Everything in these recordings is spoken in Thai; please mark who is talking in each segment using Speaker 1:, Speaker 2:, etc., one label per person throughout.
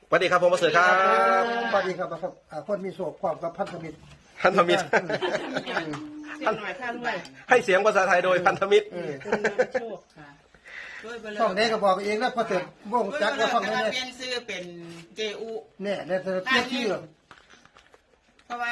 Speaker 1: สวัสดีครับผมประเสริฐครับ
Speaker 2: สวัสดีครับคนมีโศกความกับพันธมิตร
Speaker 1: พันธมิตร
Speaker 3: เสียงหน่อยท่านด้วย
Speaker 1: ให้เสียงภาษาไทยโดยพันธมิตร
Speaker 3: คุณนำโชคค่ะด้วยเบล
Speaker 2: ช่องนี้ก็บอกเองนะพอเสร็จวงจักรก็ช่องนี้
Speaker 3: เปลี่ยนชื่อเป็นเจอุ
Speaker 2: เนี่ยเนี่ยเทียบชื่อ
Speaker 3: เพราะว่า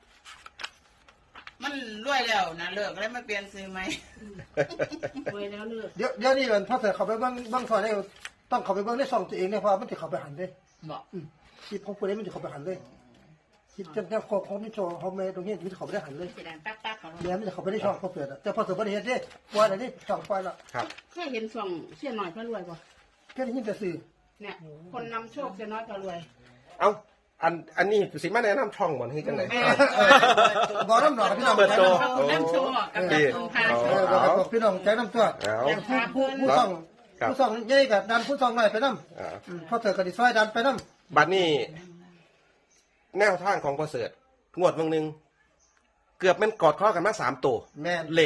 Speaker 3: มันรวยแล้วนะเลิกแล้วมาเปลี่ยนชื่อไหมรวยแล้วเลิก
Speaker 2: เดี๋ยวนี้มันพอเสร็จเขาไปบ้างซอยได้ต้องเขาไปบ้างในช่องตัวเองเนี่ยเพราะมันจะเขาไปหันเลย
Speaker 3: บอก
Speaker 2: คลิปของคนนี้มันจะเขาไปหันเลยคลิปจะของมิโชเขาไม่ตรงนี้มันจะเขาไปได้หันเลย
Speaker 3: สีแดงตั๊กๆของเรา
Speaker 2: เนี่ยมันจะเขาไปได้ช่องพอเสร็จแต่พอเสร็จประเดี๋ยวนี้ปล่อยอะไรนี่ช่องปล่อยละ
Speaker 1: ครับ
Speaker 3: เคยเห็นส่องเสียหน่อยก็รวยป่ะ
Speaker 2: แค่ได้ยินแต่สื่อ
Speaker 3: เนี่ย คนนำโชคเสียน้อยก็รวย
Speaker 1: เอาอันนี้สิมาแนะนำช่องบ่อนให้จังไหน
Speaker 2: บอกน้ำหนอกพี่น้อง
Speaker 1: เปิดตัว
Speaker 3: นำโชคกับคุณพาโชค
Speaker 2: บอกพี่น้องใจน้ำตัว
Speaker 1: เอา
Speaker 2: ผู้ส่องใหญ่กับดันผู้ส่องหน่อยไปน้ำพอเสร็จก็ดิซอยดันไปน้ำ
Speaker 1: บัดนี้ แนวทางของประเสริฐงวดเมืองหนึ่งเกือบมันกอดข้อกันมา3 ตัว
Speaker 2: แม่น
Speaker 1: เลข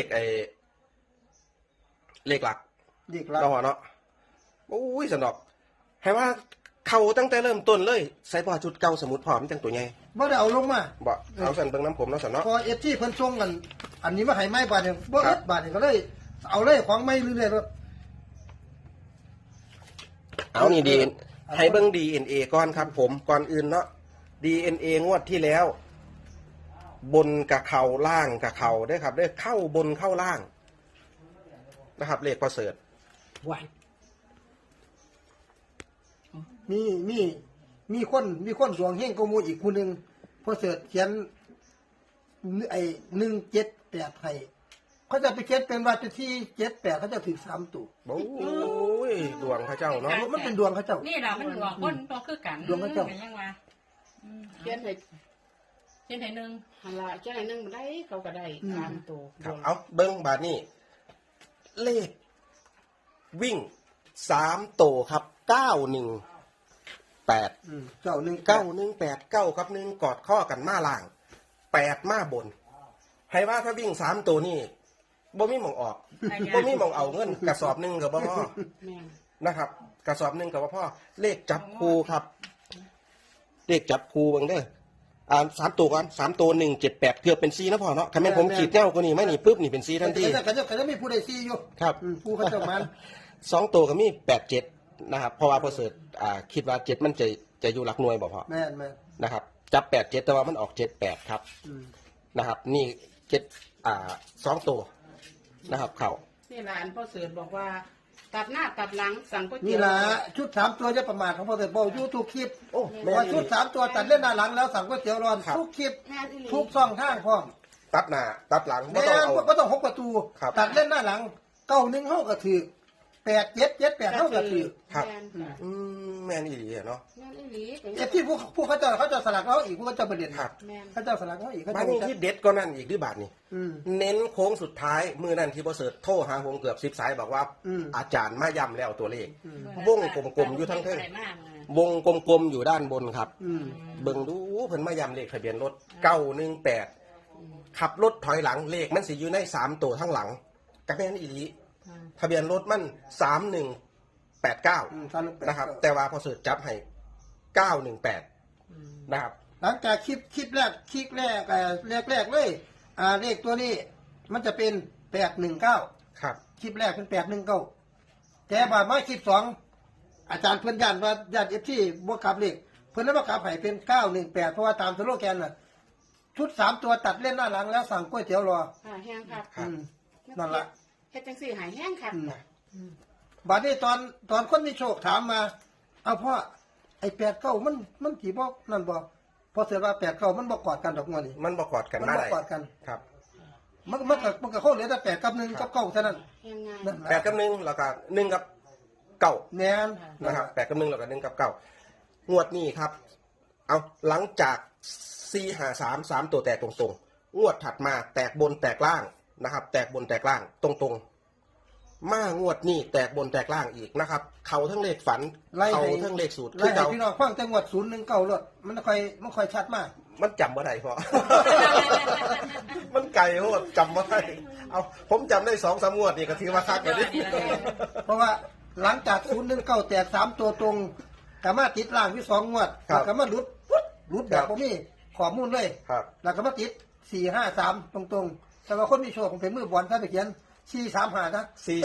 Speaker 1: เลขหลัก
Speaker 2: ดีกแล้ว
Speaker 1: เราเนาะโอ้ยสนอกให้ว่าเขาตั้งแต่เริ่มต้นเลยใส่ผ้าชุดเก่าสมุดพร้อมจังตัวใหญ่
Speaker 2: บ่ได้เอาลงมา
Speaker 1: บ่เอาสั่นเบิ่งน้ำผมเนาะสันเนาะ
Speaker 2: พอเอฟที่เพิ่นส่งกัน อันนี้มาให้ไม้บาทหนึงบ่เอ็ดบาทนี่ก็เลยเอาเลยของไม่เรื่อยๆรถ
Speaker 1: เอานี่ดีให้เบิ่ง DNA ก่อนครับผมก่อนอื่นเนาะ DNA งวดที่แล้ว บนกับเข่าล่างกับเข่าได้อครับได้อเข้าบนเข้าล่างนะครับ เลขประเสริฐ
Speaker 3: ว้าย
Speaker 2: มีคนดวงเฮงกว่าหมู่อีกผู้หนึงพอเสิร์ชเขียนไอ้178ให้เขาจะไปเขียนเป็นว่าจะที่78เขาจะถือ3ตัว
Speaker 1: โอ้ยดวงพระเจ้าเนาะ
Speaker 2: มันเป็นดวงเขาเจ้า
Speaker 4: นี่เรามันหลวงคนต้องคือกัน
Speaker 2: ดวงกระจก
Speaker 4: เป็นยังวะ
Speaker 3: เขียนให้
Speaker 4: เช่นไทยหนึ่ง
Speaker 3: ฮัลโหลเขียนให้หนึ่งมาได้เขาก็ได้3ตัว
Speaker 1: ครับเอาเบิ้งบาทนี่เลข วิ่ง3 ตัวครับ918
Speaker 2: เจ้าหนึ่ง
Speaker 1: 9 กับ1กอดข้อกันมาล่าง8มาบน ให้ว่าถ้าวิ่ง3 ตัวนี่บ่มีหมองออกบ่มีหมองเอาเงินกระสอบหนึงกับบ่พอ
Speaker 3: แม่น
Speaker 1: นะครับ กระสอบหนึงกับบ่พอเลขจับคูครับ เลขจับคูเบิ่งเด้อ3 ตัวก่อน3 ตัว178เกือบเป็น4นะพ่อเนาะคันแม่นผมขีดแนวกว่านี้ไหมนี่ปุ๊บนี่เป็น4ทันที
Speaker 2: ก็จะมีผู้ใดซีอยู่
Speaker 1: ครับ
Speaker 2: ผู้เขาเจ้ามัน
Speaker 1: 2 ตัวก็มี87นะครับเพราะว่าพอเสิร์ชคิดว่า7มันจะอยู่หลักหน่วยบ่พอ
Speaker 2: แม่น
Speaker 1: นะครับจับ87แต่ว่ามันออก78ครับนะครับนี่2 ตัวนะครับเข่า
Speaker 3: นี่หลานพ่อเสือบอกว่า ตัดหน้าตัดหลังสั่งก๋วยเตี๋
Speaker 2: นี่
Speaker 3: ยว
Speaker 2: ล่ะชุด3ตัวจะประมาทของพอเสิร์ชบอกอยู่ทุกคลิป
Speaker 1: โอ้แม่
Speaker 2: ว่า
Speaker 1: นี่
Speaker 2: ชุด3ตัวตัดเล่นหน้าหลังแล้วสั่งก๋วยเตี๋ยวร้อนทุกคลิป
Speaker 3: แม่นอีหลี
Speaker 2: ทุกช่องทางพร้อม
Speaker 1: ตัดหน้าตัดหลังไม่
Speaker 2: แม่
Speaker 1: ต้องเอา
Speaker 2: ก็ต้อง6 ประตู
Speaker 1: ครับ
Speaker 2: ตัดเล่นหน้าหลัง91เฮาก็ถือ8778เฮาก็ถือ
Speaker 1: ครับ
Speaker 3: แม่นค่ะ
Speaker 1: แม่นอีหลีอะเนาะ
Speaker 3: แม่นอีหลี
Speaker 2: เอฟที่ผู้เขาจะสลักเราอีกผู้เขาจะประเด็น
Speaker 1: ครับ
Speaker 3: แม่น
Speaker 2: เขาจะสลักเราอีกเขา
Speaker 1: บ้า
Speaker 2: จะ
Speaker 1: นนี้ที่เด็ดก็นั่นอีกด้วยบาทนี่
Speaker 2: อืม
Speaker 1: เน้นโค้งสุดท้ายมือนั่นที่พอเสิร์ชโทรหาผมเกือบ10 สายบอกว่า อาจารย์มาย้ำแล้วตัวเลขวงกลมๆอยู่ทั้งเทิง
Speaker 4: ใส่มากเลยว
Speaker 1: งกลมๆอยู่ด้านบนครับ
Speaker 2: อืม
Speaker 1: เบิ่งดูเพิ่นมาย้ำเลขทะเบียนรถ918ขับรถถอยหลังเลขมันสิอยู่ใน3 ตัวทั้งหลังกระแม่นอีหลีทะเบียนรถมัน3189นะครับ แต่ว่าพอเสิร์ชจับให้918นะครับ
Speaker 2: หลังจากคลิปแรกแรกเลยเลขตัวนี้มันจะเป็น819
Speaker 1: ครับ
Speaker 2: คลิปแรกเป็น819แต่บาดมาคลิป2อาจารย์เพิ่นยันว่าญาติเอฟที่บ่กลับเลขเพิ่นเลยบ่กลับให้เป็น918เพราะว่าตามสโลแกนน่ะชุด3ตัวตัดเล่นหน้าหลังแล้วสั่งก๋วยเตี๋ยวรอ
Speaker 3: ค่ะแห้งครับ
Speaker 2: อืมนั่นล่ะ
Speaker 3: เฮ็ดจังซี่หายแห้งครับ
Speaker 2: บัดนี้ตอนคนมีโชคถามมาเอาพ่อไอ้89มันกี่บ่นั่นบ่พอเสียว่า89มันบ่กอดกันดอกงวนี่
Speaker 1: มันประกอดกัน
Speaker 2: มัน
Speaker 1: มา
Speaker 2: บ่
Speaker 1: ได้
Speaker 2: กอดกัน
Speaker 1: ครับ
Speaker 2: มันก็เข้าเหลือแต่8กับ1กับ9เท่านั้น
Speaker 3: แห้งง่าย
Speaker 2: นั่น
Speaker 1: 8กับ1แล้วก็1กับ9
Speaker 2: แม่น
Speaker 1: นะครับ8กับ1แล้วก็1กับ9งวดนี้ครับ เอาหลังจาก453 ตัวแตกตรงๆงวดถัดมาแตกบนแตกล่างนะครับ แตกบนแตกล่างตรงๆ มางวดนี้แตกบนแตกล่างอีกนะครับ เขาทั้งเลขฝันเขาทั้งเลขสูตร
Speaker 2: ไล่
Speaker 1: คือ
Speaker 2: ให้
Speaker 1: เขา
Speaker 2: พี่น้องฟังจังหวัด019รถมันค่อยชัดมาก
Speaker 1: มันจำว่าไดพอ มันไกลโหดจำว่าไดเอาผมจำได้2-3 งวดนี่ก็ถือว่าคักเลยดิ
Speaker 2: เพราะว่าหลังจาก019แตก3ตัวตรงก็มาติดล่างที่2งวด
Speaker 1: ครับ
Speaker 2: แล้วก็มาหลุดปุ๊บหลุดแบบบ่มีข้อมูลเลย
Speaker 1: ครับ
Speaker 2: แล้วก็มาติด4-5-3ตรงๆแต่ว่าคนมีโชคผมเป็นมือบอลถ้าไปเขียน4-3-5นะ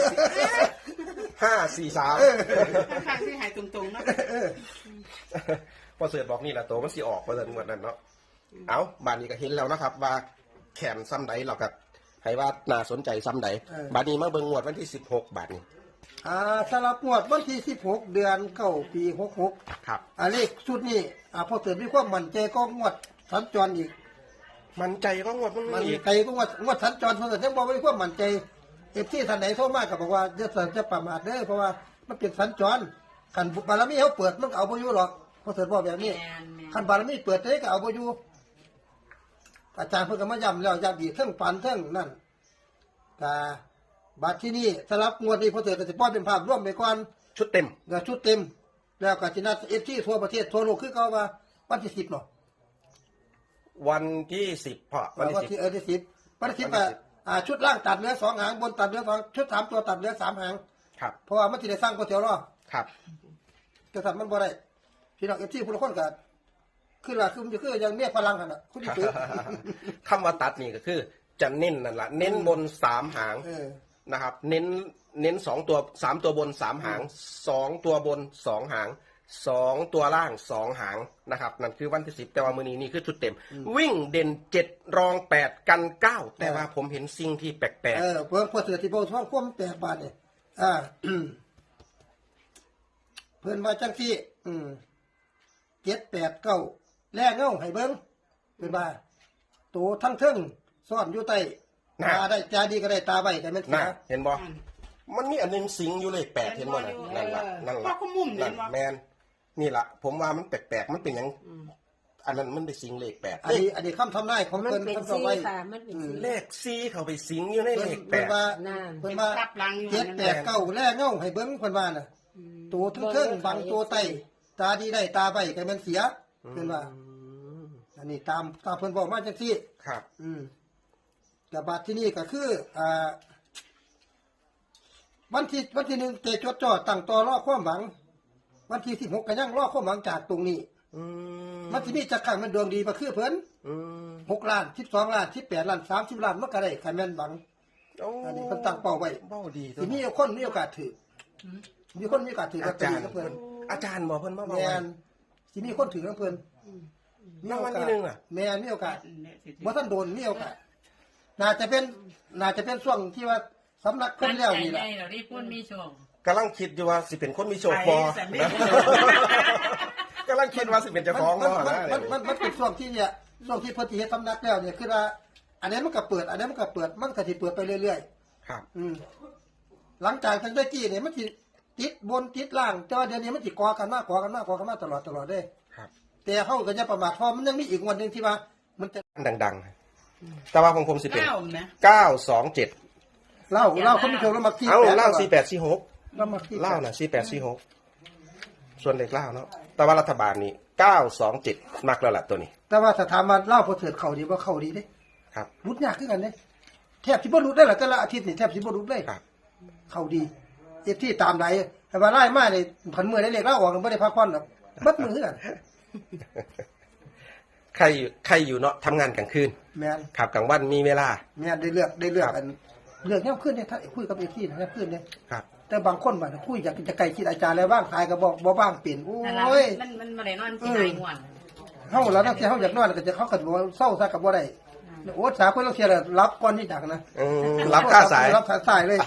Speaker 1: 5-4-3
Speaker 3: ข้างๆที่หายตรงๆเนาะ
Speaker 1: พอเสือบอกนี่แหละตัวมันสิออกพอเสือหมดนั่นเนาะเอาบานนี้ก็เห็นแล้วนะครับ ว่าแขนซ้ำใดเราก็ให้ว่าน่าสนใจซ้ำใดบานนี้มาเบิ่งงวดวันที่16บาทนี้
Speaker 2: สำหรับงวดวันที่16เดือน9ปี66
Speaker 1: ครับ
Speaker 2: เลขชุดนี้พอเกิดมีความมั่นใจก็งวดสัญจรอีก
Speaker 1: มันใจก็งวดมัน
Speaker 2: มัน
Speaker 1: อีก
Speaker 2: ใจก็งวดสัญจรเพิ่นก็ยังบ่มีความมั่นใจที่ท่านไหนโทรมาก็บอกว่าจะประมาทเด้อเพราะว่ามันเป็นสัญจรคันบารมีเขาเปิดมันก็เอาบ่อยู่หรอกพอเกิดบอกแบบนี้
Speaker 4: แม่นแม่น
Speaker 2: คันบารมีเปิดได้ก็เอาบ่อยู่อาจารย์เพิ่นก็มาย้ำแล้วย้ำอีกเทั้งปันเทั้งนั่นก็บัดที่นี่สำหรับงวดนี้พอเกิดก็สิปล่อยเป็นภาพรวมไปก่อน
Speaker 1: ชุดเต็ม
Speaker 2: ก็ชุดเต็ม แล้วก็สินัดที่ทั่วประเทศทั่วโลกคือเขาว่าวันที่10เนาะ
Speaker 1: วันที่10พอวันที่
Speaker 2: วันที่ที่10วันที่10ชุดล่างตัดเหลือ2หางบนตัดเหลือ2ชุด3ตัวตัดเหลือ3หาง
Speaker 1: 10ครับ
Speaker 2: เพราะว่ามันสิได้สร้างก๋วยเตี๋ยวรอ
Speaker 1: ครับ
Speaker 2: แต่ถ้ามันบ่ได้พี่น้อง FC ผู้ละคนก็คือล่ะคือมันคือยังเมียพลังกันน่ะคุณสิซื้อ
Speaker 1: คำว่าตัดนี่ก็คือ จะเน้นนั่นแหละเน้นบน3หาง นะครับ เน้น2ตัว3ตัวบน3หาง2ตัวบน2หาง2ตัวล่าง2หางนะครับ นั่นคือวันที่10แต่ว่ามื้อนี้นี่คือชุดเต็ม วิ่งเด่น7รอง8กัน9แต่ว่าผมเห็นสิ่งที่แปลก
Speaker 2: เพิ่นพอเสือที่บ่ท้องความ8บาทนี่เพิ่นว่าจังซี่7 8 9แลเงาให้เบิ่งเพิ่นว่าตัวทั้งเทิงซ่อนอยู่ใต้ตาได้ตาดีก็ได้ตาไว้ก็แม่น
Speaker 1: ๆ
Speaker 2: สิ
Speaker 1: นะเห็นบ่มันมีอันหนึงสิงอยู่เลข8เห็นบ่นั่นล่ะนั่น
Speaker 3: พ่อ
Speaker 1: ล่ะ
Speaker 3: เขามุมเล
Speaker 1: นั่
Speaker 3: ย
Speaker 1: น
Speaker 3: ว่า
Speaker 1: แม่นนี่ล่ะผมว่ามันแปลกๆมันเป็นหยังอันนั้นมันได้สิงเลข8
Speaker 2: อันนี้คำทำนายของ
Speaker 5: มัน
Speaker 2: เพิ่น
Speaker 5: เป็น
Speaker 2: คำ
Speaker 5: ซี
Speaker 2: ทำไว้
Speaker 5: ค่ะ มันเป็นซี
Speaker 1: เลข4เข้าไปสิงอยู่ในเลข
Speaker 2: เพิ่นว่า
Speaker 5: น่า
Speaker 2: เพิ่นว่า
Speaker 3: เป็นทับหลังอยู่
Speaker 2: เจ็ด
Speaker 3: นั่น
Speaker 2: แป
Speaker 3: น่ะ
Speaker 2: ดเก้าแลเงาให้เบิ่งเพิ่นว่าน่ะตัวทั้งเทิงบังตัวไตตาดีได้ตาใบก็แม่นเสียเพิ่นว่า อันนี้ตามเพิ่นบอกมาจังซี่
Speaker 1: ครับ
Speaker 2: แต่บัดที่นี่ก็คือวันที่1เตจดจ่อตั้งต่อรอความหวัง วันที่16ก็ยังรอความหวังจากตรงนี้ มันสิมีจักครั้งมันดวงดีบ่คือเพิ่น6ล้าน12ล้าน18ล้าน30ล้านมันก็ได้คันแม่นบัง อันนี้เพิ่นตั้งเป้าไว้
Speaker 1: เป้าดี
Speaker 2: สิมีคนมีโอกาสถือมีคนมีโอกาสถือลอ
Speaker 1: อา
Speaker 2: ตเตอ
Speaker 1: จาร
Speaker 2: รี่
Speaker 1: ย์
Speaker 2: กับเพิ่น
Speaker 1: อาจารย์บอกเพิ่นมาบอก
Speaker 2: แม่
Speaker 1: ว่าน
Speaker 2: สิมีคนถือกับเพิ่น
Speaker 1: รางวัลที่หนึ่งอะ
Speaker 2: แม่นมีโอกาสบ่ทันโดนมีโอกาสน่าจะเป็นช่วงที่ว่าสำนักเพิ่นแล้วนี่
Speaker 4: ให
Speaker 2: ล่ะ
Speaker 4: ญ่เราได้พูดมีช่วง
Speaker 1: กำลังคิดอยู่ว่าสิเป็นคนมีโชค
Speaker 3: ไป
Speaker 1: บอ
Speaker 3: สันนิ
Speaker 1: นะ
Speaker 3: ษฐาน
Speaker 1: กำลังคิดว่าสิเป็นเจ้าของบ่นะ
Speaker 2: มันเป็นช่วงที่เนี่ยช่วงที่เพิ่นสิเฮ็ดสำนักแล้วเนี่ยคือว่าอันนี้มันก็เปิดอันนี้มันก็เปิดมันก็สิเปิดไปเรื่อย
Speaker 1: ครับ
Speaker 2: ๆหลังจากทางได้กี้เนี่ยมันสิติดบนติดล่างแต่ว่าเดี๋ยวนี้มันสิก่อกันมากตลอดเด้
Speaker 1: ครับ
Speaker 2: แต่เฮาก็อย่าประมาทเพราะมันยังมีอีกงวดหนึงที่ว่ามันจะ
Speaker 1: ดังๆ แต่ว่าของผมสิเป็น
Speaker 3: เก้านะ
Speaker 1: 927
Speaker 2: เล่าเขาไม่โชว์แล้วมาที่
Speaker 1: เอ้า
Speaker 2: แปด
Speaker 1: เล่า
Speaker 2: ก่อน
Speaker 1: 4846
Speaker 2: แล้วมาที่
Speaker 1: เล่าน่ะ4846ส่วนเด็กเล่าเนาะแต่ว่ารัฐบาลนี่927มักแล้วล่ะตัวนี้
Speaker 2: แต่ว่าถ้าถามว่าเล่าพอเถิดเข้าดีบ่เข้าดีเด้
Speaker 1: ครับ
Speaker 2: รุดยากคือกันเด้แทบสิบ่รุดได้ล่ะแต่ละอาทิตย์นี่แทบสิบ่รุดเลย
Speaker 1: ครับ
Speaker 2: เข้าดีเอฟที่ตามไหนแต่ว่าไล่มานี่ผันมือได้เลขเล่าออกบ่ได้พักผ่อนหรอกบัดมือคือกัน
Speaker 1: ใครอยู่เนาะทำงานกลางคืน
Speaker 2: แม่น
Speaker 1: ครับกลางวันมีเวลา
Speaker 2: แม่นได้เลือกอันเลือกยามคืนเนี่ยถ้าคุยกับเอฟที่ยามคืนเนี่ย
Speaker 1: ครับ
Speaker 2: แต่บางคนว่าคุยอยากจะไกลคิดอาจารย์แล้วว่างสายก็บ่ว่างเป็นโอ
Speaker 4: นั่นละ
Speaker 2: ้ย
Speaker 4: มันมาได้นอนที่ไหนง่วน
Speaker 2: เฮาแล้วนักที่เฮาอยากนอนก็จะเขาก็บอกว่าเศร้าซะก็บ่ได้โอ้สาเพิ่นเราเสียแล้วรับก่อนที่ดักนะ
Speaker 1: รับค่าสาย
Speaker 2: รับสายเลย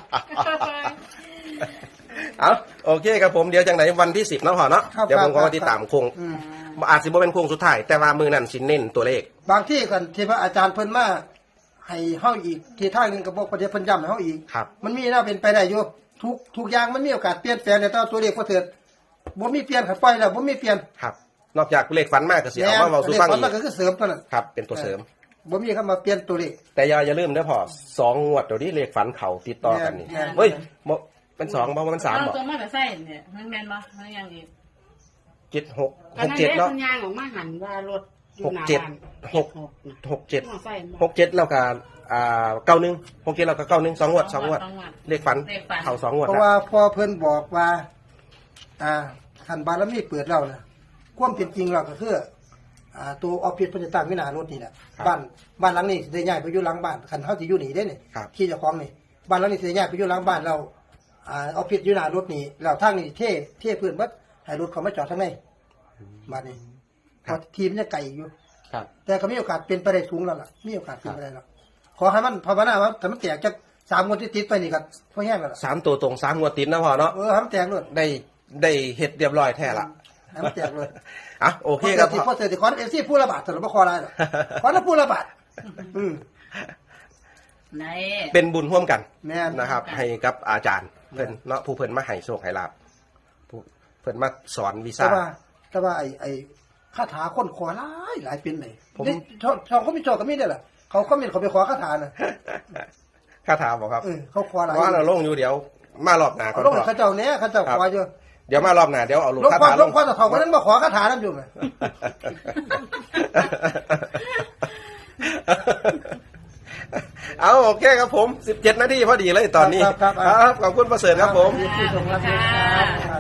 Speaker 1: เอาโอเคครับผมเดี๋ยวจังไหนวันที่10เนาะพ่อเนาะ
Speaker 2: ครับ
Speaker 1: เดี๋ยวผมก็
Speaker 2: ครับ
Speaker 1: มาติดตามโคง
Speaker 2: อืม
Speaker 1: อาจสิบ่เป็นโคงสุดท้ายแต่ว่ามือนั้นสิเน้นตัวเลข
Speaker 2: บางที่กันที่พระอาจารย์เพิ่นมาให้เฮาอีกที่ทางหนึงก็บอกประเดี๋ยวเพิ่นย้ำให้เฮาอีก
Speaker 1: ครับ
Speaker 2: มันมีน่าเป็นไปได้อยู่ทุกอย่างมันมีโอกาสเปลี่ยนแปลงในตัวเลขบ่เถิดบ่มีเปลี่ยนครับปล่อยแล้วบ่มีเปลี่ยน
Speaker 1: ครับ นอกจากเลขฝันมากก็สิเอามาเว้าสู่ฟัง
Speaker 2: เลข
Speaker 1: อี
Speaker 2: มัน
Speaker 1: ก
Speaker 2: ก็คือเสริมเท่านั้น
Speaker 1: ครับ เป็นตัวเสริม
Speaker 2: บ่มีคำว่าเปลี่ยนตัวเลข
Speaker 1: แต่อย่าลืมเด้อพ่อ2งวดเดี๋ยวนี้เลขฝันเขาติดต่อกันนี่
Speaker 2: แม่น
Speaker 1: เฮ้ยบ่เป็น2บ่มัน3
Speaker 4: เอา
Speaker 1: บ่
Speaker 4: ตัวมาแต่ใส่เนี่ยมันแม่นบ่มันยังอีก
Speaker 1: 7 6
Speaker 3: อันนั้น
Speaker 1: 6
Speaker 3: เด็ก
Speaker 1: 7เนาะ
Speaker 3: มันยางออกมาหันว่ารถอยู่หน้า
Speaker 1: หกเจ็ด
Speaker 3: บ้าน
Speaker 1: หก
Speaker 3: นะ
Speaker 1: 6 7
Speaker 3: มอไซค์
Speaker 1: 6 7แล้วก็91 6 7แล้วก็91 2งวด2งวดเลขฝัน
Speaker 4: เลขฝัน
Speaker 1: เขา2งวด
Speaker 2: เพราะ
Speaker 1: แล้ว
Speaker 2: ว่าพอเพิ่นบอกว่าขันบารมีเปิดเรานะความเป็นจริงเราก็คือตัวออฟฟิศเพิ่นจะตั้งวินารถนี่แหละบ้านหลังนี้สิได้ย้ายไปอยู่หลังบ้านคันเฮาสิอยู่นี่เด้นี่
Speaker 1: ครับ
Speaker 2: ที่เจ้าของนี่บ้านหลังนี้สิได้ย้ายไปอยู่หลังบ้านเราออฟฟิศอยู่หน้ารถนี่แล้วทางนี้เท่พื้นเบิดให้รถเขามาจอดทางในบ้านนี้เพราะทีมนจะไกลอยู่
Speaker 1: ครับ
Speaker 2: แต่ก็มีโอกาสเป็นไปได้สูงแล้วล่ะมีโอกาสเป็นไปได้แล้วขอให้มันภาวนาว่าถ้ามันแตกจาก3 งวดติดๆไปนี่ก็พอแห้งแล้วล่ะ
Speaker 1: 3 ตัวตรง3 งวดติดนะพ่อเนาะ
Speaker 2: ให้มันแตกเลย
Speaker 1: ได้เฮ็ดเรียบร้อยแท้ละ
Speaker 2: ให้มันแตกเลย
Speaker 1: อ่ะโอเคครับ
Speaker 2: พอเสร็จขอเอฟซีผู้ระบาดแต่เราไม่ขออะไรหรอกขอแล้วผู้ระบาด
Speaker 3: ไหน
Speaker 1: เป็นบุญร่วมกัน
Speaker 2: แม่น
Speaker 1: นะครับ ให้กับอาจารย์เพิ่นเนาะผู้เพิ่นมาให้โชคให้ลาภผู้เพิ่นมาสอนวิ
Speaker 2: แต่
Speaker 1: ชา
Speaker 2: ว่าไอ้คาถาคนขอหลายเป็นเลย
Speaker 1: ผม
Speaker 2: นี่ชอบเขามีโจก็มีได้แหละเขาไปขอคาถาน่ะ
Speaker 1: คาถาบอกครับ
Speaker 2: เขาขอหลาย
Speaker 1: ว่าเราลงอยู่เดี๋ยวมารอบหน้าก่อน
Speaker 2: ลง
Speaker 1: พ่อ
Speaker 2: เขาเจ้าเนี้ยเขาเจ้าขออยู่
Speaker 1: เดี๋ยวมารอบหน้าเดี๋ยวเอาลูก
Speaker 2: ลง
Speaker 1: คา
Speaker 2: ความ
Speaker 1: ถา
Speaker 2: ลงความแต่เขาคนนั้นมาขอคาถานั่นอยู่ไหม
Speaker 1: เอาโอเคครับผม17 นาทีพอดีเลยตอนนี้
Speaker 2: ครับ
Speaker 1: ขอบคุณประเสริฐครับผม
Speaker 2: ที่ส่งรับ
Speaker 4: ค่ะ
Speaker 2: ครับ